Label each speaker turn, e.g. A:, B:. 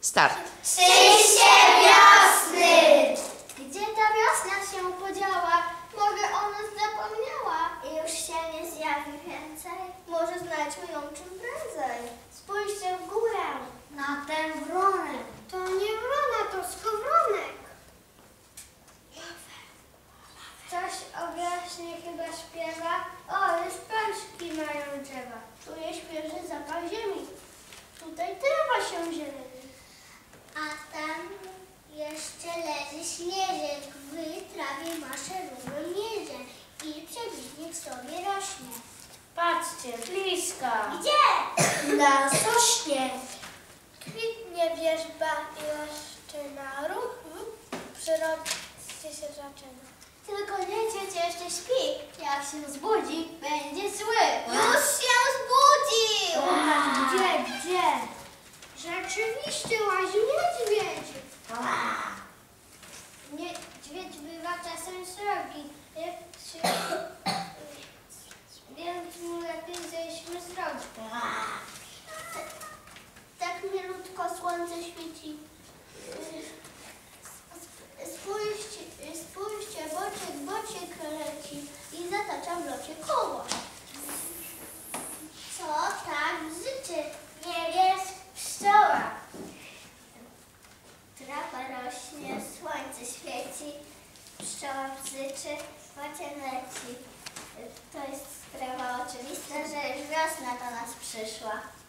A: Start.
B: Przyjście wiosny! Gdzie ta wiosna się podziała? Może o nas zapomniała i już się nie zjawi więcej? Może znajdźmy ją czym prędzej. Spójrzcie w górę, na tę wronę. To nie wrona, to skowronek. Coś o wiośnie chyba śpiewa. O, już pączki mają drzewa. Czuję świeży zapach ziemi. Tutaj trawa się zieleni. A tam jeszcze leży śnieżek. W trawie maszerują mierze i przebiegnik sobie rośnie.
C: Patrzcie, blisko.
B: Gdzie?
C: Na sośnie.
B: Kwitnie wierzba i laszczyna. Ruch w przyrodzie się zaczyna. Tylko niedźwiedź jeszcze śpi. Jak się zbudzi, będzie zły. Już się zbudził! Gdzie? Rzeczywiście łazi niedźwiedź. Niedźwiedź bywa czasem srogi, więc mu lepiej zejdźmy z drogi. Tak milutko słońce świeci. Spójrzcie, bociek leci i zatacza w locie koło. Co tak bzyczy? Nie jest pszczoła. Trawa rośnie, słońce świeci, pszczoła bzyczy, bocian leci. To jest sprawa oczywista, że już wiosna do nas przyszła.